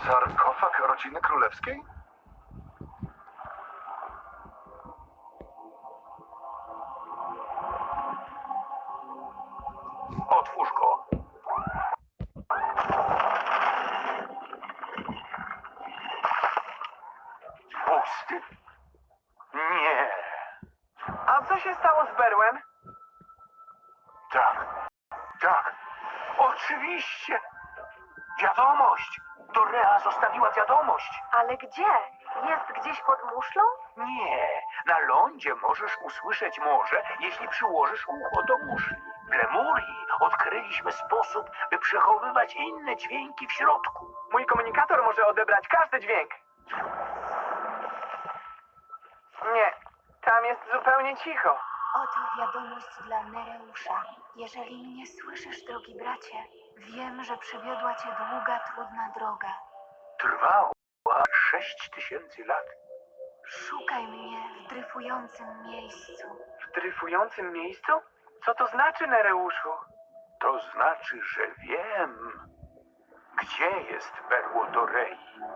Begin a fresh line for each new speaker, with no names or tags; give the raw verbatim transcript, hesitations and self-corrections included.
Sarkofag rodziny królewskiej?
Otwórz go. Pusty? Nie.
A co się stało z Berłem?
Tak. Tak. Oczywiście. Wiadomość. Dorea zostawiła wiadomość.
Ale gdzie? Jest gdzieś pod muszlą?
Nie. Na lądzie możesz usłyszeć morze, jeśli przyłożysz ucho do muszli. W Lemurii odkryliśmy sposób, by przechowywać inne dźwięki w środku.
Mój komunikator może odebrać każdy dźwięk. Nie, tam jest zupełnie cicho.
Oto wiadomość dla Nereusza. Jeżeli mnie słyszysz, drogi bracie, wiem, że przywiodła cię długa, trudna droga.
Trwała sześć tysięcy lat.
Szukaj mnie w dryfującym miejscu.
W dryfującym miejscu? Co to znaczy, Nereuszu?
To znaczy, że wiem, gdzie jest berło Dorei.